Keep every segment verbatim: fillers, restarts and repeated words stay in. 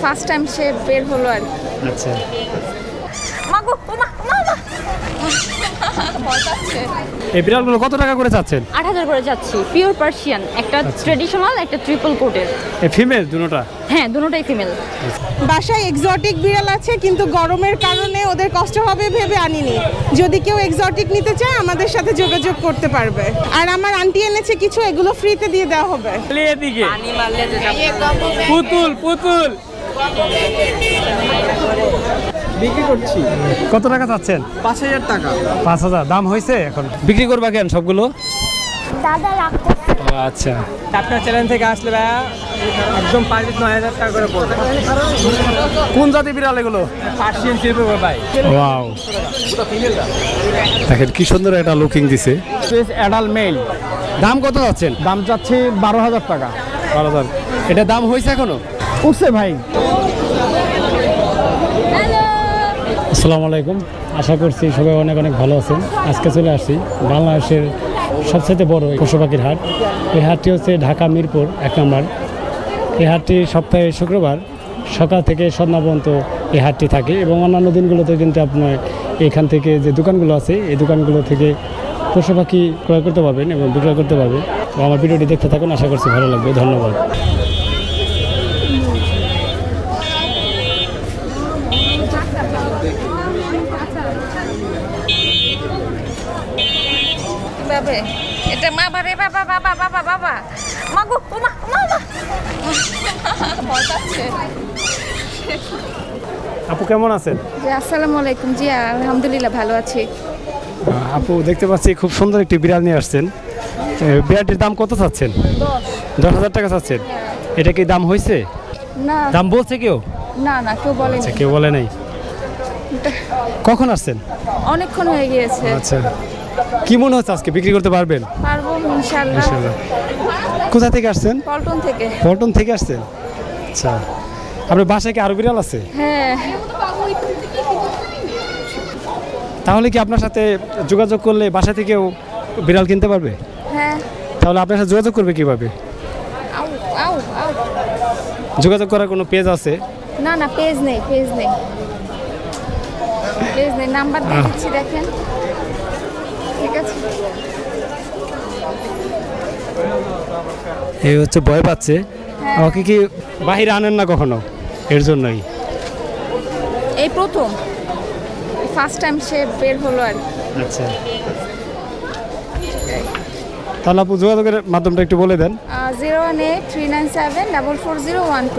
First time সে বের হলো আর আচ্ছা মাগো ওমা মামা ভয় পাচ্ছে। এই বিড়ালগুলো কত টাকা করে চাচ্ছেন? আট হাজার করে যাচ্ছি। পিওর পার্সিয়ান, একটা ট্রেডিশনাল, একটা ট্রিপল কোটের। এই ফিমেল দুটোটা? হ্যাঁ, দুটোটাই ফিমেল। বাসায় এক্সোটিক বিড়াল আছে কিন্তু গরমের কারণে ওদের কষ্ট হবে ভেবে আনিনি। যদি কেউ এক্সোটিক নিতে চায় আমাদের সাথে যোগাযোগ করতে পারবে। আর আমার আন্টি এনেছে কিছু, এগুলো ফ্রিতে দিয়ে দেওয়া হবে। এদিকে পুতুল পুতুল বিক্রি করছি। কত টাকা চাচ্ছেন? পাঁচ হাজার টাকা। পাঁচ হাজার দাম হয়েছে? এখন বিক্রি করবা কেন সবগুলো? দাদা রাখতে আচ্ছা আপনার চ্যানেল থেকে আসলে ভাইয়া একদম পাঁচ নয় হাজার টাকা করে পড়বে। কোন জাতি বিড়াল এগুলো? পার্সিয়ান শিল্প ভাই। ওয়াও, দেখেন কি সুন্দর একটা লুকিং দিছে। Adult male. দাম কত যাচ্ছেন? দাম চাচ্ছি বারো হাজার টাকা। বারো হাজার। এটা দাম হয়েছে এখনো? উঠছে ভাই। আসসালামু আলাইকুম, আশা করছি সবাই অনেক অনেক ভালো আছেন। আজকে চলে আসছি বাংলাদেশের সবচেয়ে বড় পশু পাখির হাট। এই হাটটি হচ্ছে ঢাকা মিরপুর এক নম্বর। এই হাটটি সপ্তাহে শুক্রবার সকাল থেকে সন্ধ্যা পর্যন্ত এই হাটটি থাকে এবং অন্যান্য দিনগুলোতে কিন্তু আপনার এখান থেকে যে দোকানগুলো আছে এই দোকানগুলো থেকে পশু পাখি ক্রয় করতে পারবেন এবং বিক্রয় করতে পারবেন। তো আমার ভিডিওটি দেখতে থাকুন, আশা করছি ভালো লাগবে। ধন্যবাদ। বাবে এটা মা বারে বাবা বাবা বাবা বাবা মাগো ওমা মামা ভয় পাচ্ছে। আপু কেমন আছেন? জি আসসালামু আলাইকুম। জি আলহামদুলিল্লাহ ভালো আছি। আপু দেখতে পাচ্ছি খুব সুন্দর একটি বিড়াল নিয়ে আসছেন। বিড়ালটির দাম কত চাচ্ছেন? দশ দশ হাজার টাকা চাচ্ছেন। এটা কি দাম হয়েছে? না দাম বলছে কেউ? না না কেউ বলেনি। আচ্ছা, কেউ বলে নাই। কখন আসছেন? অনেকক্ষণ হয়ে গিয়েছে। আচ্ছা, কি মনে হচ্ছে আজকে বিক্রি করতে পারবেন? পারবো ইনশাআল্লাহ। ইনশাআল্লাহ। কোথা থেকে আসছেন? পল্টন থেকে। পল্টন থেকে আসছেন? আচ্ছা, আপনার বাসায় কি আরো বিড়াল আছে? হ্যাঁ তাহলে কি আপনার সাথে যোগাযোগ করলে বাসা থেকেও বিড়াল কিনতে পারবে? হ্যাঁ। তাহলে আপনার সাথে যোগাযোগ করবে কিভাবে? আউ আউ আউ যোগাযোগ করার কোনো পেজ আছে? না না পেজ নেই, পেজ নেই, পেজ নেই। নাম্বার দিয়ে দিচ্ছি দেখেন। ঠিক আছে। এই হচ্ছে ভয় পাচ্ছে। আমাকে কি বাহিরে আনেন না কখনো? এর জন্যই। এই প্রথম ফার্স্ট টাইম সে বের হলো আর আচ্ছা, তাহলে আপু যোগাযোগের মাধ্যমটা একটু বলে দেন। Zero one eight three nine seven double four zero one two.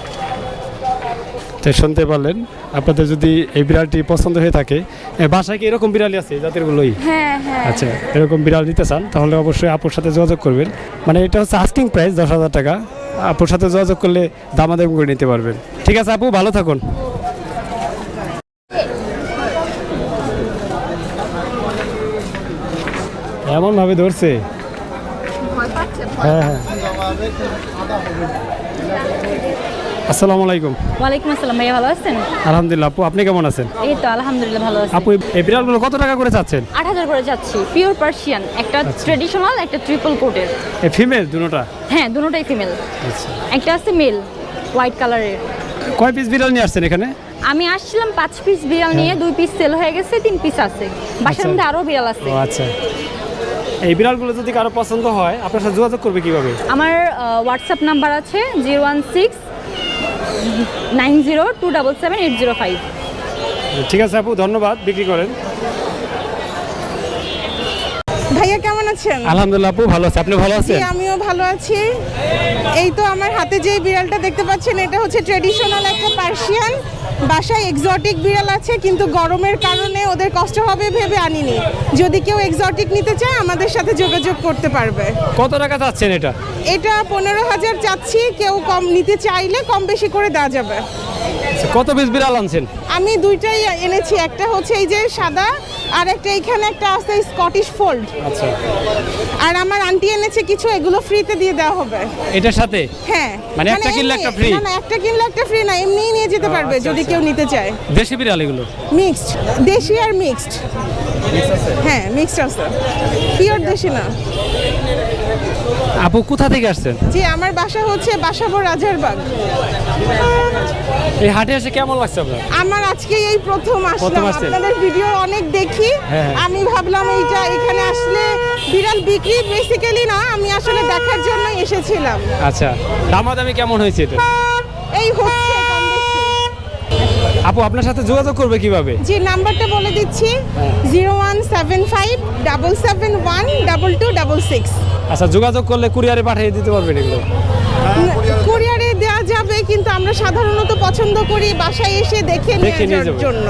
তো শুনতে পারলেন, আপনাদের যদি এই বিড়ালটি পছন্দ হয়ে থাকে, এ, বাসায় কি এরকম বিড়ালই আছে এই জাতেরগুলোই? হ্যাঁ হ্যাঁ। আচ্ছা, এরকম বিড়াল নিতে চান তাহলে অবশ্যই আপুর সাথে যোগাযোগ করবেন। মানে এটা হচ্ছে আস্কিং প্রাইস দশ হাজার টাকা। আপুর সাথে যোগাযোগ করলে দামাদামি করে নিতে পারবেন। ঠিক আছে আপু, ভালো থাকুন। এমন ভাবে ধরছে। ভয় পাচ্ছে। হ্যাঁ হ্যাঁ। আসসালামু আলাইকুম। ওয়ালাইকুম আসসালাম। ভাইয়া ভালো আছেন? আলহামদুলিল্লাহ। আপু আপনি কেমন আছেন? এই তো আলহামদুলিল্লাহ ভালো আছি। আপু এই বিড়ালগুলো কত টাকা করে চাচ্ছেন? আট হাজার করে যাচ্ছি। পিওর পার্সিয়ান, একটা ট্রেডিশনাল, একটা ট্রিপল কোটের। এই ফিমেল দুটোটা? হ্যাঁ, দুটোটাই ফিমেল। আচ্ছা, একটা আছে মেল, হোয়াইট কালারের। কয় পিস বিড়াল নিয়ে আসছেন এখানে? আমি আসছিলাম পাঁচ পিস বিড়াল নিয়ে, দুই পিস সেল হয়ে গেছে, তিন পিস আছে বাসার আচ্ছা। মধ্যে, আরো বিড়াল আছে। ও আচ্ছা, এই বিড়ালগুলো যদি কারো পছন্দ হয় আপনার সাথে যোগাযোগ করবে কিভাবে? আমার হোয়াটসঅ্যাপ নাম্বার আছে zero one six nine zero two double seven eight zero five. ঠিক আছে আপু, ধন্যবাদ। বিক্রি করেন। ভাইয়া কেমন আছেন? আলহামদুলিল্লাহ আপু, ভালো আছে। আপনি ভালো জি আছেন? আমিও ভালো আছি। এই তো আমার হাতে যে বিড়ালটা দেখতে পাচ্ছেন এটা হচ্ছে ট্রেডিশনাল একটা পার্সিয়ান। বাসায় এক্সোটিক বিড়াল আছে কিন্তু গরমের কারণে ওদের কষ্ট হবে ভেবে আনিনি। যদি কেউ এক্সোটিক নিতে চায় আমাদের সাথে যোগাযোগ করতে পারবে। কত টাকা চাচ্ছেন এটা? এটা পনেরো হাজার চাচ্ছি, কেউ কম নিতে চাইলে কম বেশি করে দেওয়া যাবে। কত পিস বিড়াল আনছেন? আমি দুইটাই এনেছি, একটা হচ্ছে এই যে সাদা আর একটা এইখানে একটা আছে স্কটিশ ফোল্ড। আচ্ছা, আর আমার আন্টি এনেছে কিছু, এগুলো ফ্রিতে দিয়ে দেওয়া হবে। এটার সাথে? হ্যাঁ, মানে একটা কিনলে এমনি- একটা free? না না, একটা কিনলে একটা ফ্রি না, এমনিই নিয়ে যেতে পারবে আচ্ছা, যদি আচ্ছা। কেউ নিতে চায়। দেশি বিড়াল এগুলো? মিক্সড, দেশি আর মিক্সড। হ্যাঁ মিক্সড আছে, পিওর দেশি না। আপু কোথা থেকে আসছেন? জি আমার বাসা হচ্ছে বাসাবো রাজারবাগ। এই হাটে এসে কেমন লাগছে আপনার? আমার আজকে এই প্রথম প্রথম আসলাম, আসছেন? আপনাদের ভিডিও অনেক দেখি। হ্যাঁ। আমি ভাবলাম এইটা এখানে আসলে বিড়াল বিক্রি বেসিক্যালি না, আমি আসলে দেখার জন্য এসেছিলাম। আচ্ছা, দামাদামি কেমন হয়েছে এটা? এই হচ্ছে কম বেশি। আপু আপনার সাথে যোগাযোগ করবে কিভাবে? যে নাম্বারটা বলে দিচ্ছি, zero one seven five double seven one double two double six. আচ্ছা, যোগাযোগ করলে কুরিয়ারে পাঠিয়ে দিতে পারবেন এগুলো? কুরিয়ারে দেওয়া যাবে, কিন্তু আমরা সাধারণত পছন্দ করি বাসায় এসে দেখে দেখে নিয়ে নেওয়ার যাবেন। জন্য।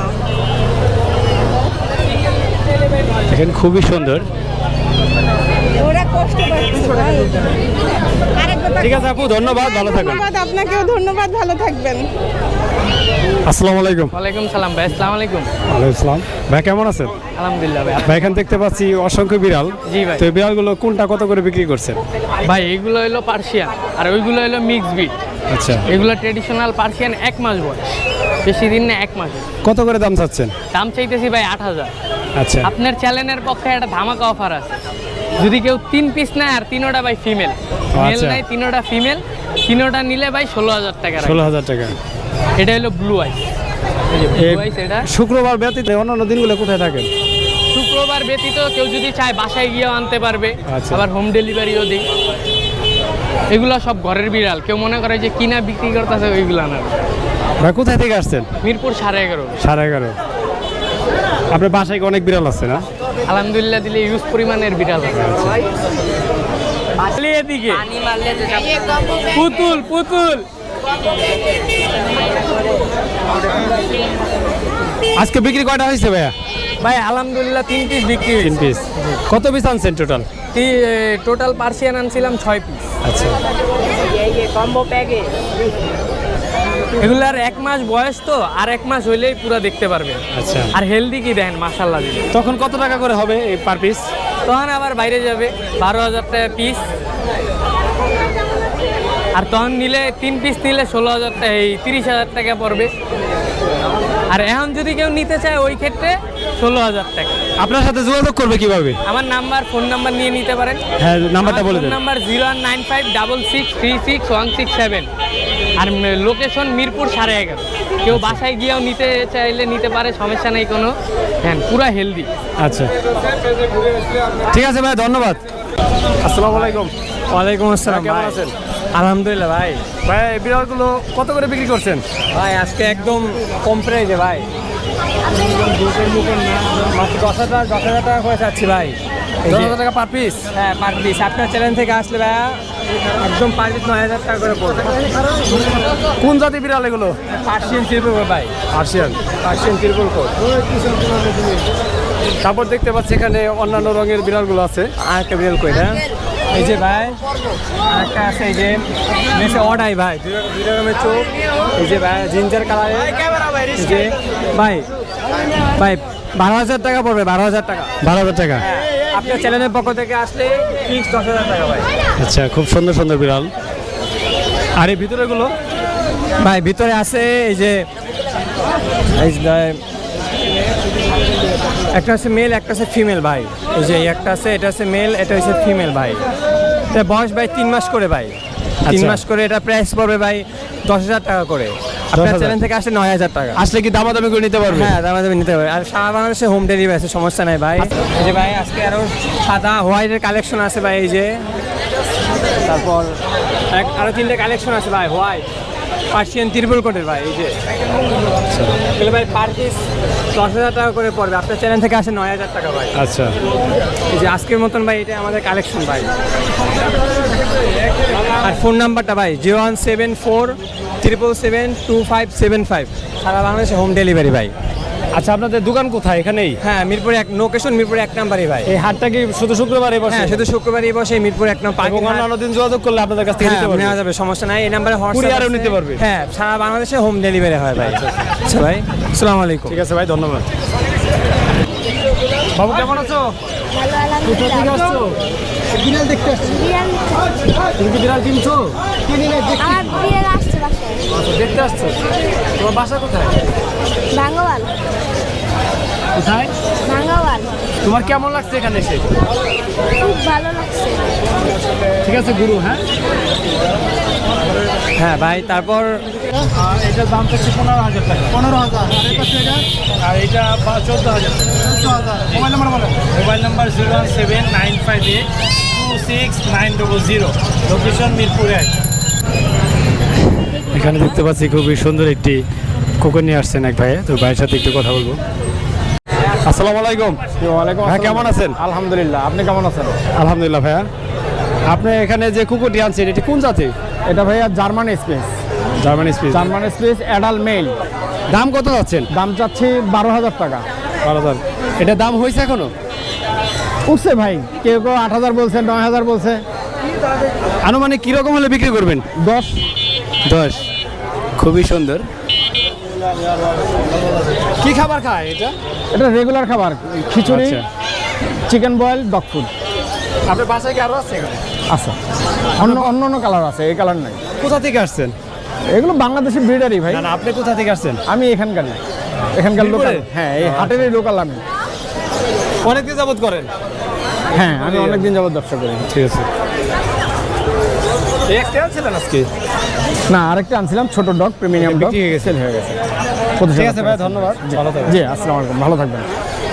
দেখেন খুবই সুন্দর। ওরা কষ্ট পাচ্ছে। ঠিক আছে আপু, ধন্যবাদ, ভালো থাকবেন। ধন্যবাদ, আপনাকেও ধন্যবাদ, ভালো থাকবেন। আসসালামু আলাইকুম। ওয়ালাইকুম সালাম ভাই, আসসালামু আলাইকুম। ওয়ালাইকুম আসসালাম। ভাই কেমন আছেন? আলহামদুলিল্লাহ ভাই। ভাই এখানে দেখতে পাচ্ছি অসংখ্য বিড়াল। জি ভাই। তো এই বিড়ালগুলো কোনটা কত করে বিক্রি করছেন? ভাই এগুলো হলো পার্সিয়ান আর ওইগুলো হলো মিক্স ব্রিড। আচ্ছা, এগুলো ট্রেডিশনাল পার্সিয়ান, এক মাস বয়স, বেশি দিন না, এক মাস। কত করে দাম চাচ্ছেন? দাম চাইতেছি ভাই আট হাজার। আচ্ছা, আপনার চ্যানেলের পক্ষে একটা ধামাকা অফার আছে, যদি কেউ তিন পিস নেয় আর তিনোটা ভাই ফিমেল, মেল আচ্ছা। নাই তিনোটা ফিমেল, তিনোটা নিলে ভাই ষোলো হাজার টাকা রাখবে। ষোলো হাজার টাকা। এটা হলো ব্লু আইস। এই ব্লু আইস এটা শুক্রবার ব্যতীত অন্যান্য দিনগুলো কোথায় থাকেন? শুক্রবার ব্যতীত কেউ যদি চায় বাসায় গিয়েও আনতে পারবে, আচ্ছা। আবার হোম ডেলিভারিও দিই। এগুলো সব ঘরের বিড়াল, কেউ মনে করে যে কিনা বিক্রি করতেছে ওইগুলো না। ভাই কোথায় থেকে আসছেন? মিরপুর সাড়ে এগারো। সাড়ে এগারো। আপনার বাসায় কি অনেক বিড়াল আছে না? আলহামদুলিল্লাহ দিলে ইউজ পরিমাণের বিড়াল আছে। এদিকে পুতুল পুতুল আজকে বিক্রি কয়টা হয়েছে ভাইয়া? ভাই আলহামদুলিল্লাহ তিন পিস বিক্রি তিন পিস। কত পিস আনছেন টোটাল? টোটাল পার্সিয়ান আনছিলাম ছয় পিস। আচ্ছা, এগুলার এক মাস বয়স তো, আর এক মাস হইলেই পুরো দেখতে পারবে। আচ্ছা। আর হেলদি কি দেখেন মাশাআল্লাহ দিলে। তখন কত টাকা করে হবে এই পার পিস? তখন আবার বাইরে যাবে বারো হাজার টাকা পিস, আর তখন নিলে তিন পিস নিলে ষোলো হাজার টাকা, এই তিরিশ হাজার টাকা পড়বে। আর এখন যদি কেউ নিতে চায় ওই ক্ষেত্রে ষোলো হাজার টাকা। আপনার সাথে যোগাযোগ করবে কিভাবে? আমার নাম্বার, ফোন নাম্বার নিয়ে নিতে পারেন। হ্যাঁ, নাম্বারটা বলে দেন। Number zero one nine five double six three six one six seven, আর লোকেশন মিরপুর সাড়ে এগারো। কেউ বাসায় গিয়েও নিতে চাইলে নিতে পারে, সমস্যা নেই কোনো। হ্যাঁ, পুরা হেলদি। আচ্ছা, ঠিক আছে ভাই, ধন্যবাদ। আসসালামু আলাইকুম। ওয়ালাইকুম আসসালাম। কেমন আছেন? আলহামদুলিল্লাহ ভাই। ভাই এই বিড়ালগুলো কত করে বিক্রি করছেন? ভাই আজকে একদম কম প্রাইজে ভাই, মাত্র দশ হাজার দশ হাজার টাকা করে চাচ্ছি ভাই। এই দশ যে- হাজার টাকা পার পিস? হ্যাঁ পার পিস। আপনার চ্যানেল থেকে আসলে ভাইয়া একদম পার পিস নয় হাজার টাকা করে পড়বে। কোন জাতি বিড়াল এগুলো? পার্সিয়ান ত্রিপুল ভাই, পার্সিয়ান। Persian triple coat. তারপর দেখতে পাচ্ছি এখানে অন্যান্য রঙের বিড়ালগুলো আছে। আর একটা বিড়াল কই না, এই যে ভাই আর একটা আছে, এই যে মেসে অডাই ভাই, দুই দুই রকমের চোখ। এই যে ভাই জিঞ্জার কালার, এই যে ভাই ভাই বারো হাজার টাকা পড়বে, বারো হাজার টাকা। বারো হাজার টাকা। আপনার চ্যানেলের পক্ষ থেকে আসলে ফিক্স দশ হাজার টাকা ভাই। আচ্ছা, খুব সুন্দর সুন্দর বিড়াল। আর এই ভিতরেগুলো? ভাই ভিতরে আছে এই যে এই যে একটা আছে মেল, একটা আছে ফিমেল ভাই। এই যে একটা আছে, এটা আছে মেল, এটা হচ্ছে ফিমেল ভাই। এটা বয়স ভাই তিন মাস করে ভাই, তিন আচ্ছা। মাস করে। এটা প্রাইস পড়বে ভাই দশ হাজার টাকা করে। আপনার হাজার। চ্যানেল থেকে আসলে নয় হাজার টাকা। আসলে কি দামাদামি করে নিতে পারবে? হ্যাঁ দামা দামি নিতে পারবে। আর সারা বাংলাদেশে হোম ডেলিভারি আছে, সমস্যা নাই ভাই। এই যে ভাই আজকে আরও সাদা হোয়াইটের কালেকশন আছে ভাই, এই যে তারপর এক- আরও তিনটে কালেকশন আছে ভাই, হোয়াইট পার্সিয়ান ত্রিপুল কোটের ভাই। এই যে এগুলো ভাই পার পিস দশ হাজার টাকা করে পড়বে। আপনার চ্যানেল থেকে আসে নয় হাজার টাকা ভাই। আচ্ছা, এই যে আজকের মতন ভাই এটা আমাদের কালেকশন ভাই। আর ফোন নাম্বারটা ভাই zero one seven four triple seven two five seven five, সারা বাংলাদেশে হোম ডেলিভারি ভাই। আচ্ছা, আপনাদের দোকান কোথায়? এখানেই? হ্যাঁ মিরপুরে এক, লোকেশন মিরপুরে এক নাম্বারই ভাই। এই হাটটা কি শুধু শুক্রবারে বসে? হ্যাঁ শুধু শুক্রবারই বসে মিরপুর এক নম্বর এবং অন্যান্য দিন যোগাযোগ করলে আপনাদের কাছ থেকে হ্যাঁ, নিতে পারবে? নেওয়া যাবে, সমস্যা নাই। এই নাম্বারে কুরিয়ারেও নিতে পারবে? হ্যাঁ, সারা বাংলাদেশে হোম ডেলিভারি হয় ভাই। আচ্ছা ভাই, আসসালামু আলাইকুম। ঠিক আছে ভাই, ধন্যবাদ। বাবু কেমন আছো? ভালো আলহামদুলিল্লাহ। আসছো? বিড়াল দেখতে আসছো? বিড়াল তুমি কি বিড়াল কিনছো? আমার বিড়াল আসছে বাসায়। আচ্ছা, দেখতে আসছো? তোমার বাসা কোথায়? ভাঙ্গওয়াল। কোথায়? ভাঙ্গাওয়াল। তোমার কেমন লাগছে এখানে এসে? খুব ভালো লাগছে। ঠিক আছে গুরু। হ্যাঁ হ্যাঁ ভাই, তারপর এটার দাম হচ্ছে পনেরো হাজার টাকা। পনেরো হাজার আর এটা চোদ্দ হাজার চোদ্দ হাজার মোবাইল নাম্বার বলেন। Mobile number zero one seven nine five eight two six nine double zero, location Mirpur এক। এখানে দেখতে পাচ্ছি খুবই সুন্দর একটি কুকুর নিয়ে আসছেন এক ভাই, তো ভাইয়ের সাথে একটু কথা বলবো। আসসালামু আলাইকুম। ওয়ালাইকুম হ্যাঁ, কেমন আছেন? আলহামদুলিল্লাহ, আপনি কেমন আছেন? আলহামদুলিল্লাহ ভাইয়া। আপনি এখানে যে কুকুরটি আনছেন এটি কোন জাতি? এটা ভাইয়া German spitz. German spitz. German spitz adult male. দাম কত যাচ্ছেন? দাম চাচ্ছি বারো হাজার টাকা। বারো হাজার। এটা দাম হয়েছে এখনো? উঠছে ভাই, কেউ কেউ আট হাজার বলছে, নয় হাজার বলছে। আনুমানিক কিরকম হলে বিক্রি করবেন? দশ। দশ। খুবই সুন্দর। কি খাবার খায় এটা? এটা রেগুলার খাবার, খিচুড়ি, আচ্ছা। Chicken boil, dog food. আপনার বাসায় কি আরো আছে এখানে? আচ্ছা, অন্য অন্য অন্য কালার আছে, এই কালার নাই। কোথা থেকে আসছেন? এগুলো বাংলাদেশের ব্রিডারই ভাই। না না, আপনি কোথা থেকে আসছেন? আমি এখানকার না, এখানকার লোকাল। হ্যাঁ, এই হাটেরই লোকাল আমি। অনেকদিন যাবত করেন? হ্যাঁ, আমি অনেকদিন যাবত ব্যবসা করি। ঠিক আছে। একটা আনছিলেন আজকে? না, আরেকটা আনছিলাম ছোট ডগ, প্রিমিয়াম ডগ, বিক্রি হয়ে গেছে। সেল হয়ে গেছে। ঠিক আছে ভাই, ধন্যবাদ। ভালো থাকবেন। জি, আসসালামু আলাইকুম, ভালো থাকবেন।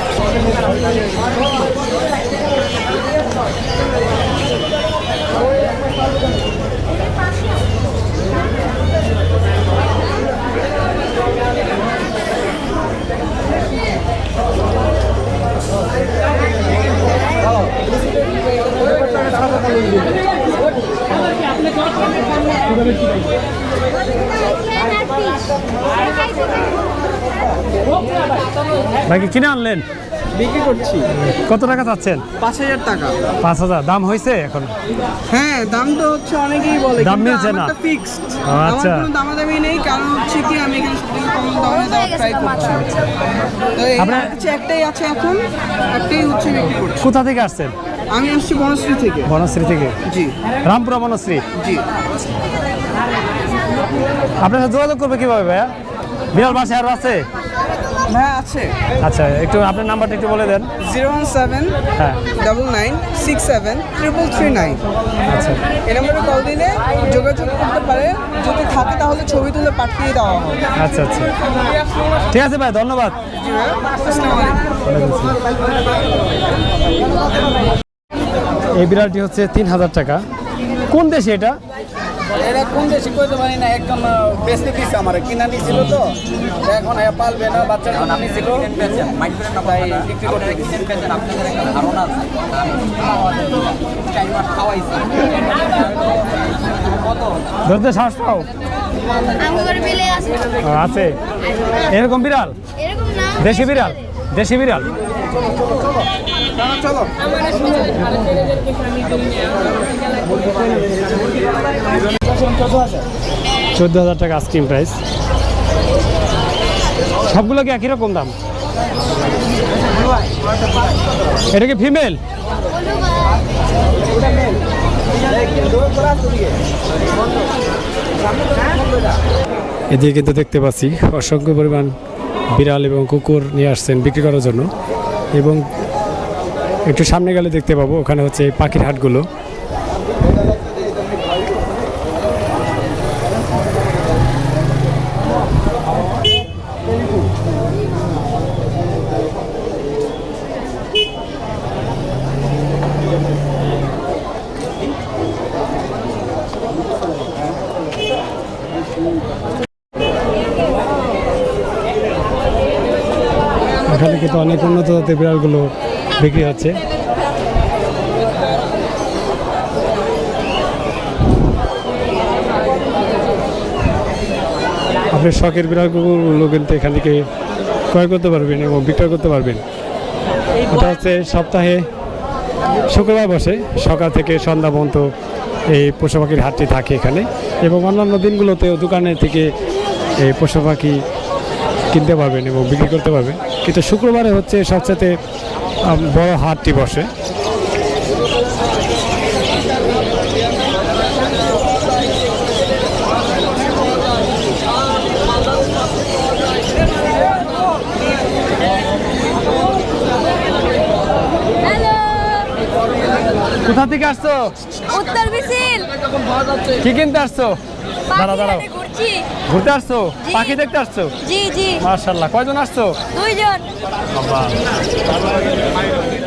ভাই কি কিনে আনলেন? বিক্রি করছি কত টাকা চাচ্ছেন? পাঁচ হাজার টাকা। পাঁচ হাজার। দাম হয়েছে এখন? হ্যাঁ, দাম তো হচ্ছে অনেকেই বলে, দাম কিন্তু মিলছে না। আমারটা ফিক্সড। ও, আমার আচ্ছা। কোনো দামাদামি নেই, কারণ হচ্ছে কি আমি এখানে সবথেকে কম দামে দেওয়ার ট্রাই করছি। তো এই আপনার- হচ্ছে একটাই আছে এখন, একটাই হচ্ছে বিক্রি করছি। কোথা থেকে আসছেন? আমি আসছি বনশ্রী থেকে। বনশ্রী থেকে? জি রামপুরা বনশ্রী। জি। আপনার সাথে যোগাযোগ করবে কিভাবে ভাইয়া? বিড়াল বাসায় আরো আছে? হ্যাঁ আছে। আচ্ছা, একটু আপনার নাম্বারটা একটু বলে দেন। জিরো ওয়ান সেভেন হ্যাঁ, double nine six seven triple three nine. আচ্ছা। এই নম্বরে কল দিলে যোগাযোগ করতে পারে, যদি থাকে তাহলে ছবি তুলে পাঠিয়ে দেওয়া হবে। আচ্ছা আচ্ছা, ঠিক আছে ভাই, ধন্যবাদ। জি ভাই, আসসালামু আলাইকুম। এই বিড়ালটি হচ্ছে তিন হাজার টাকা। কোন দেশে এটা? এরা কোন দেশে কইতে পারি না, একদম বেচতে দিচ্ছে আমার, কিনা নিছিল তো এখন এ পালবে না, বাচ্চা কিনা নিছিল তাই বিক্রি করতে ধরতে সাহস পাও? আমার বিলে আছে। ও, আছে। এরকম বিড়াল? এরকম না। দেশি বিড়াল? দেশি বিড়াল। চলো। চোদ্দ হাজার টাকা আইসক্রিম প্রাইস। সবগুলো কি একই রকম দাম? এটা কি ফিমেল? এদিকে কিন্তু দেখতে পাচ্ছি অসংখ্য পরিমাণ বিড়াল এবং কুকুর নিয়ে আসছেন বিক্রি করার জন্য, এবং একটু সামনে গেলে দেখতে পাবো ওখানে হচ্ছে পাখির হাটগুলো। এখানে কিন্তু অনেক উন্নত জাতের বিড়ালগুলো বিক্রি হচ্ছে। আপনি শখের বিড়ালগুলো কিন্তু এখান থেকে ক্রয় করতে পারবেন এবং বিক্রয় করতে পারবেন। এটা হচ্ছে সপ্তাহে শুক্রবার বসে, সকাল থেকে সন্ধ্যা পর্যন্ত এই পশু পাখির হাটটি থাকে এখানে, এবং অন্যান্য দিনগুলোতেও দোকানে থেকে এই পশু পাখি কিনতে পারবেন এবং বিক্রি করতে পারবেন, কিন্তু শুক্রবারে হচ্ছে সবচেয়ে বড় হাটটি বসে। কোথা থেকে আসছো? উত্তর বিসিল কি কিনতে আসছো? দাঁড়াও দাঁড়াও, ঘুরছি। ঘুরতে আসছো? পাখি দেখতে আসছো? জি জি মাশাআল্লাহ, কয়জন আসছো? দুইজন।